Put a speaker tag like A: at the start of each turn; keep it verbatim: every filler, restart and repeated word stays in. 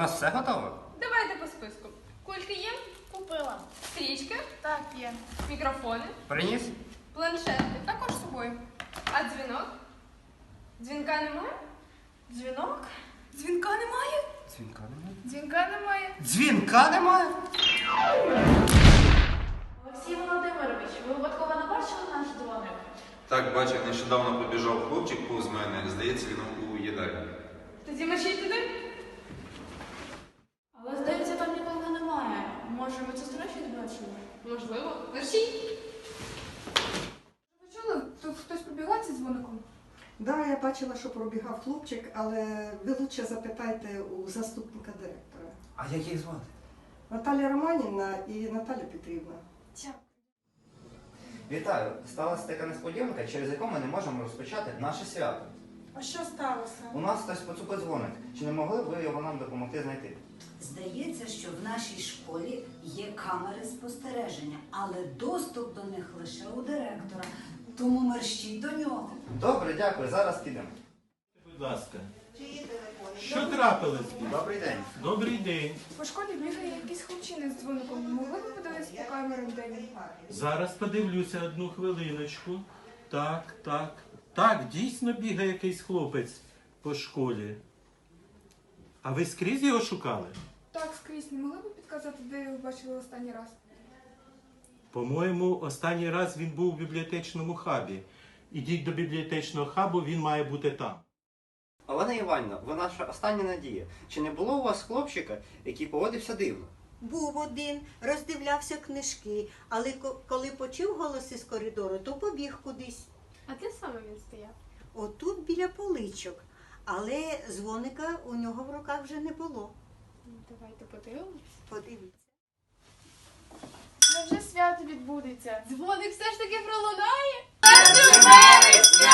A: нас все готово?
B: Давайте по списку. Кульки є?
C: Купила.
B: Стрічки?
C: Так, є.
B: Мікрофони?
A: Приніс?
B: Планшети? Також з собою. А дзвінок? Дзвінка немає?
C: Дзвінок? Дзвінка немає?
A: Дзвінка немає.
C: Дзвінка немає.
A: Дзвінка немає?
C: Олексій Володимирович, ви випадково не бачили наш дзвоник?
D: Так, бачив, нещодавно побіжав хлопчик повз мене. Здається, він у їдальні.
B: Тоді мерщій туди?
C: Але, здається, там нікого немає. Може, ви це страшно бачили?
B: Можливо. Мерщій?
E: Ви чули? Тут хтось побігав зі дзвоником?
F: Да, я бачила, що пробігав хлопчик, але ви лучше запитайте у заступника директора.
A: А як їх звати?
F: Наталя Романівна і Наталя Петрівна.
A: Вітаю! Сталася така несподіванка, через яку ми не можемо розпочати наше свято.
E: А що сталося?
A: У нас хтось поцупив дзвоник. Чи не могли б ви його нам допомогти знайти?
G: Здається, що в нашій школі є камери спостереження, але доступ до них лише у директора. Тому мерщій до нього.
A: Добре, дякую. Зараз підемо.
H: Будь ласка. Що трапилось?
A: Добрий день.
H: Добрий день.
E: По школі бігає якийсь хлопчина з дзвоником. Могли б подивитися по камерам, де він?
H: Зараз подивлюся одну хвилиночку. Так, так. Так, дійсно бігає якийсь хлопець по школі. А ви скрізь його шукали?
E: Так, скрізь. Не могли б підказати, де його бачили останній раз?
H: По-моєму, останній раз він був у бібліотечному хабі. Ідіть до бібліотечного хабу, він має бути там.
A: Олена Іванівна, ви наша остання надія. Чи не було у вас хлопчика, який поводився дивно?
I: Був один, роздивлявся книжки, але ко- коли почув голоси з коридору, то побіг кудись.
B: А де саме він стояв?
I: Отут біля поличок. Але дзвоника у нього в руках вже не було.
B: Давайте подивимось.
I: Подивіться.
C: Невже свято відбудеться?
B: Дзвоник все ж таки пролунає?
C: першого вересня!